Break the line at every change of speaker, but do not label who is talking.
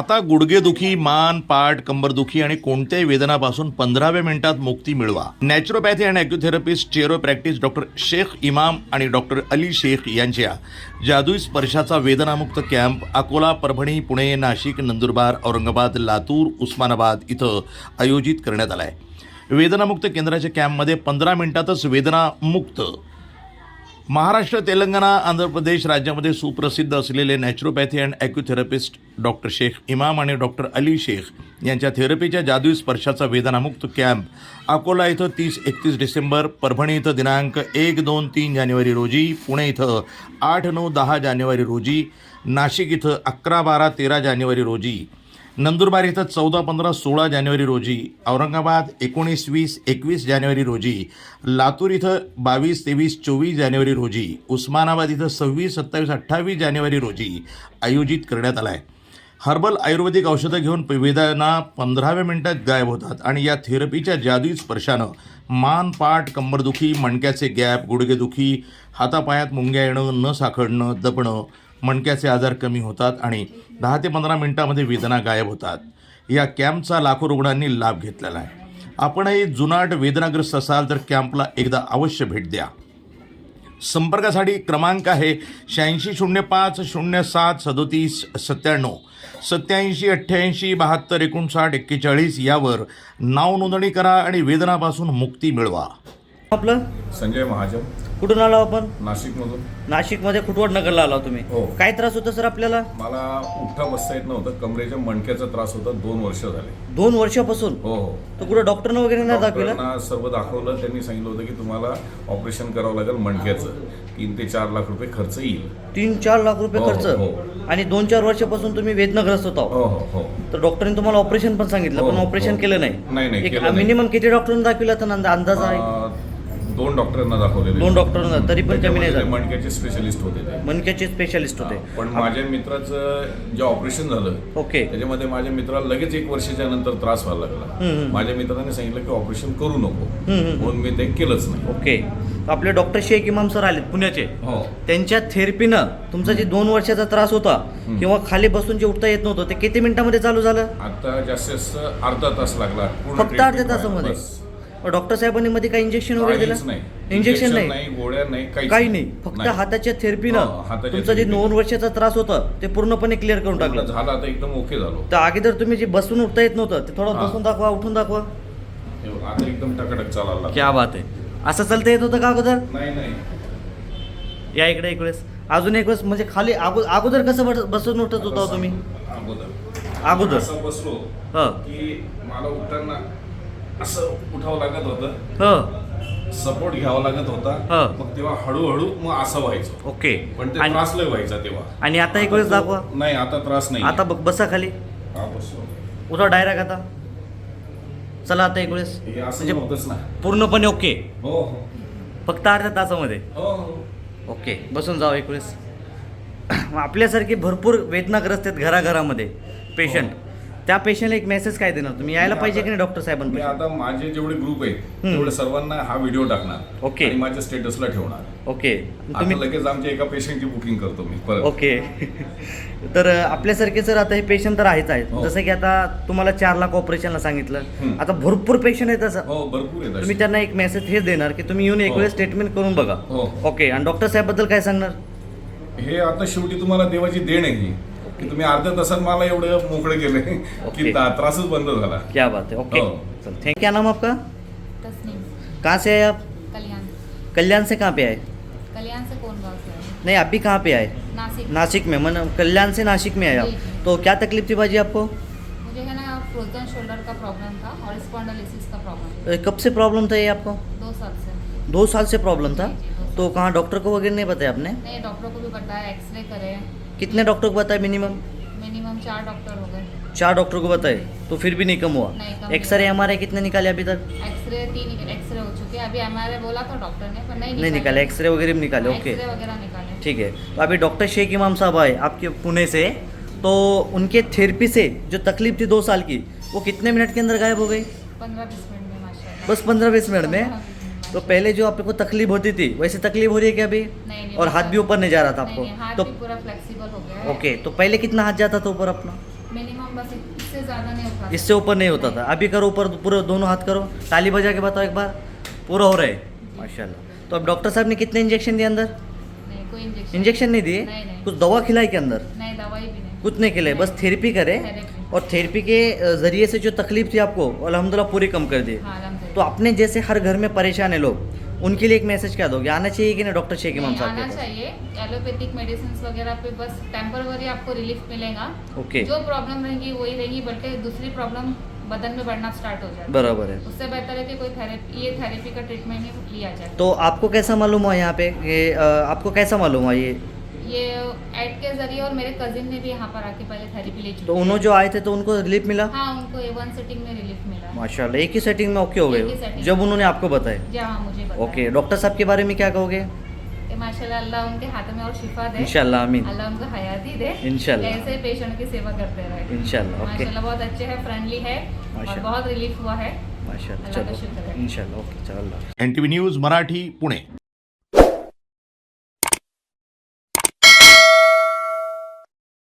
आता गुडघेदुखी, मान, पाठ, कंबरदुखी आणि कोणत्याही वेदनापासून 15व्या मिनिटात मुक्ती मिळवा. नॅचरोपॅथी आणि ॲक्युथेरपिस्ट चेरो प्रॅक्टिस डॉक्टर शेख इमाम आणि डॉक्टर अली शेख यांच्या जादुई स्पर्शाचा वेदनामुक्त कॅम्प अकोला, परभणी, पुणे, नाशिक, नंदुरबार, औरंगाबाद, लातूर, उस्मानाबाद इथं आयोजित करण्यात आला आहे. वेदनामुक्त केंद्राच्या कॅम्पमध्ये 15 मिनिटातच वेदनामुक्त. महाराष्ट्र, तेलंगणा, आंध्र प्रदेश राज्यामध्ये सुप्रसिद्ध असलेले naturopathy and acutherapist doctor Shaikh Imam आणि डॉक्टर अली शेख यांच्या थेरपीच्या जादुई स्पर्शाचा वेदनामुक्त कॅम्प अकोला इथं 30-31 डिसेंबर, परभणी इथं दिनांक 1, 2, 3 जानेवारी रोजी, पुणे इथं 8, 9, 10 जानेवारी रोजी, नाशिक इथं 11, 12, 13 जानेवारी रोजी, नंदुरबार इथं 14, 15, 16 जानेवारी रोजी, औरंगाबाद 19, 20, 21 जानेवारी रोजी, लातूर इथं 22, 23, 24 जानेवारी रोजी, उस्मानाबाद इथं 26, 27, 28 जानेवारी रोजी आयोजित करण्यात आला आहे. हर्बल आयुर्वेदिक औषधं घेऊन वेदना 15व्या मिनिटात गायब होतात आणि या थेरपीच्या जादुई स्पर्शानं मान, पाठ, कंबरदुखी, मणक्याचे गॅप, गुडघेदुखी, हातापायात मुंग्या येणं, न साखडणं, दबणं, मणक्याचे आजार कमी होतात आणि 10 ते 15 मिनिटांमध्ये वेदना गायब होतात. या कॅम्पचा लाखो रुग्णांनी लाभ घेतलेला आहे. आपणही जुनाट वेदनाग्रस्त असाल तर कॅम्पला एकदा अवश्य भेट द्या. संपर्कासाठी क्रमांक आहे 8605 07 37 97 87 88 72 59 41. यावर नाव नोंदणी करा आणि वेदनापासून मुक्ती मिळवा.
आपलं
संजय महाजन,
कुठून आला आपण?
नाशिकमधून.
नाशिकमध्ये खुटवड नगरला आला तुम्ही.
हो.
काय त्रास होता सर आपल्याला?
मला उठता बसता येत नव्हतं. कमरेच्या मणक्याचा त्रास होता. 2 वर्ष झाले.
2 वर्षापासून?
हो हो.
तर कुठं डॉक्टरनं वगैरे नाही दाखवलं?
डॉक्टरांना सर्व दाखवलं. त्यांनी सांगितलं होतं की तुम्हाला ऑपरेशन करावं लागेल मणक्याचं. 3 ते 4 लाख रुपये खर्च येईल.
3-4 लाख रुपये
हो,
खर्च?
हो.
आणि 2-4 वर्षापासून तुम्ही वेदनाग्रस्त होता?
हो हो हो.
तर डॉक्टरांनी तुम्हाला ऑपरेशन पण सांगितलं,
हो,
पण ऑपरेशन
हो.
केलं नाही?
नाही,
एक
केलं नाही.
मिनिमम किती डॉक्टरांना दाखविला तर अंदाज आहे?
2 डॉक्टरांना दाखवलेले.
2 डॉक्टरांना, तरी पण कमी नाही झालं?
मणक्याचे स्पेशलिस्ट होते ते.
मणक्याचे स्पेशालिस्ट होते?
पण माझ्या मित्राचं जे ऑपरेशन झालं,
ओके.
त्याच्यामध्ये माझ्या मित्राला लगेच 1 वर्षाच्या नंतर त्रास व्हायला लागला. माझ्या मित्राने सांगितलं की ऑपरेशन करू नको, म्हणून मी ते केलंच नाही.
ओके. आपले डॉक्टर शेख इमाम सर आलेत पुण्याचे.
हो.
त्यांच्या थेरपीनं तुमचा जे 2 वर्षाचा त्रास होता किंवा खाली बसून जे उठता येत नव्हतं ते किती मिनिटांमध्ये चालू झालं?
आता जास्तीत जास्त अर्धा तास लागला.
फक्त अर्ध्या तासामध्ये? डॉक्टर साहेबांनी मध्ये काही इंजेक्शन वगैरे दिलं? इंजेक्शन नाही,
गोळ्या नाही,
काही नाही. फक्त हाताच्या थेरपीनं तुमचा जे 2 वर्षाचा त्रास होता ते पूर्णपणे क्लिअर करून टाकलं.
झालं. आता एकदम ओके झालो.
तर अगोदर तुम्ही जे बसून उठता येत नव्हतं ते थोडं बसून दाखवा, उठून दाखवा.
आता एकदम टकाटक चालायला.
क्या बात आहे. असं चालता येत होतं का अगोदर?
नाही.
या इकडे एक वेळेस, अजून एक वेळेस. म्हणजे खाली अगोदर कसं बसून उठत होता तुम्ही? अगोदर
असं बसलो की मला उठताना असं उठावं लागत होतं, सपोर्ट घ्यावा लागत होता. मग तेव्हा हळूहळू मग असं व्हायचं.
ओके.
पण ते त्रास लय व्हायचा तेव्हा.
आणि आता एक वेळेस दाखवा.
नाही, आता त्रास नाही.
आता बसा खाली, उठा डायरेक्ट. आता चला, आता एक वेळेस.
म्हणजे होतच ना
पूर्णपणे ओके?
हो.
फक्त अर्ध्या तासामध्ये?
हो.
ओके. बसून जावं एक वेळेस. आपल्यासारखे भरपूर वेदनाग्रस्त आहेत घराघरामध्ये पेशंट. त्या पेशंटला एक मेसेज काय देणार तुम्ही? यायला पाहिजे की नाही डॉक्टर साहेबांना?
मी आता माझे जेवढे ग्रुप आहेत तेवढे सर्वांना हा व्हिडिओ टाकणार.
ओके.
आणि माझ्या स्टेटसला ठेवणार.
ओके.
तुम्ही लगेच आमच्या एका पेशंटची बुकिंग करतो मी परत.
ओके. तर आपल्यासारखे सर आता हे पेशंट तर आहेच आहेत. जसं की आता तुम्हाला 4 लाख ऑपरेशनला सांगितलं. आता भरपूर पेशंट आहेत असं.
हो, भरपूर आहेत.
तुम्ही त्यांना एक मेसेज हेच देणार की तुम्ही येऊन एक वेळेस ट्रीटमेंट करून बघा. ओके. आणि डॉक्टर साहेबबद्दल काय सांगणार?
हे आता शेवटी तुम्हाला देवाची देण आहे ही, की तुम्ही अर्ध्या तासात मला एवढं मोकळे केले की त्रासच बंद झाला.
क्या बात है. ओके. Thank you. क्या नाम आपका?
तस्नीम.
कहाँ से आए आप?
कल्याण.
कल्याण से कहाँ पे आए?
कल्याण से कौन गाँव से है?
नहीं, अभी कहाँ पे आए?
नासिक.
नासिक में? मन कल्याण से नासिक में आए आप?
जी.
तो क्या तकलीफ थी बाजी आपको?
मुझे है ना फ्रोजन शोल्डर का प्रॉब्लम था और स्पॉन्डिलोसिस का प्रॉब्लम.
कब से प्रॉब्लम था ये आपको?
2 साल से.
2 साल से प्रॉब्लम था?
जी, 2 साल.
तो कहाँ डॉक्टर को वगैरह नहीं बताया आपने?
नहीं, डॉक्टर को भी बताया, एक्सरे करे.
कितने डॉक्टर को बताया मिनिमम?
मिनिमम 4 डॉक्टर हो गए.
4 डॉक्टर को बताए तो फिर भी नहीं कम हुआ?
नहीं, कम
एक्सरे एमआरआई कितने निकाले अभी तक?
एक्सरे 3 एक्सरे हो चुके हैं. अभी एमआरआई बोला था डॉक्टर ने, पर
नहीं निकाले. एक्सरे वगैरह भी निकाले? ओके.
एक्सरे वगैरह निकाले.
ठीक है. तो अभी डॉक्टर शेख इमाम साहब आए आपके पुणे से, तो उनके थेरेपी से जो तकलीफ थी 2 साल की, वो कितने मिनट के अंदर गायब हो गई?
15-20 मिनट में माशाल्लाह.
बस 15-20 मिनट में? तो पहले जो आपको तकलीफ होती थी वैसे तकलीफ हो रही है क्या अभी?
नहीं,
और हाथ भी ऊपर नहीं जा रहा था
नहीं,
आपको?
नहीं, हाथ
तो
भी पूरा फ्लेक्सिबल हो गया है.
ओके. तो पहले कितना हाथ जाता था ऊपर अपना?
मिनिमम बस इससे ज़्यादा नहीं होता।
इससे ऊपर नहीं होता था। अभी करो ऊपर, पूरे दोनों हाथ करो, ताली बजा के बताओ एक बार, पूरा हो रहा है माशाल्लाह। तो अब डॉक्टर साहब ने कितने इंजेक्शन दिए अंदर?
नहीं, कोई इंजेक्शन
इंजेक्शन नहीं दिए?
नहीं, नहीं।
कुछ दवा खिलाई के अंदर?
नहीं, दवाई भी नहीं।
कुछ नहीं खिलाए, बस थेरेपी करे।
थेरेपी।
और थेरेपी के ज़रिए से जो तकलीफ थी आपको अल्हम्दुलिल्लाह पूरी कम कर दी।
हाँ, अल्हम्दुलिल्लाह।
तो अपने जैसे हर घर में परेशान है लोग, उनके लिए एक मैसेज क्या दोगे? आना चाहिए कि नहीं डॉक्टर शेख इमाम
नहीं,
साहब के
आना
पास?
चाहिए। एलोपैथिक मेडिसिन वगैरह पे बस टेम्पररी आपको रिलीफ मिलेगा।
ओके,
जो प्रॉब्लम रहेगी वही रहेगी, बल्कि दूसरी प्रॉब्लम बदन में बढ़ना स्टार्ट हो जाए।
बराबर है।
उससे बेहतर है कि कोई थेरेपी का ट्रीटमेंट ही लिया जाए।
तो आपको कैसा मालूम हुआ यहाँ पे आपको कैसा मालूम हुआ
ये ऐड के जरिए, और मेरे कजिन ने भी यहाँ पर आके पहले थेरेपी ले चुकी
तो
है।
उन्होंने जो आए थे तो उनको रिलीफ मिला?
हाँ, उनको A1 सेटिंग में रिलीफ मिला।
माशाल्लाह, एक ही सेटिंग में ओके हो
एक ही
गए
setting
जब
में।
उन्होंने आपको बताया?
जी हाँ, मुझे बताया।
ओके, डॉक्टर साहब के बारे में क्या कहोगे?
कि माशाल्लाह अल्लाह उनके हाथ में और शिफा दे।
इंशाल्लाह, आमीन।
अल्लाह उनको हयाती दे।
इंशाल्लाह।
ऐसे पेशेंट की सेवा करते रहे।
इंशाल्लाह, ओके।
माशाल्लाह बहुत अच्छे हैं, फ्रेंडली है और
माशाल्लाह।
बहुत रिलीफ हुआ है।
माशाल्लाह,
अल्लाह का
चलो
शुक्र है।
इंशाल्लाह, ओके, चलो।
NTV news Marathi Pune.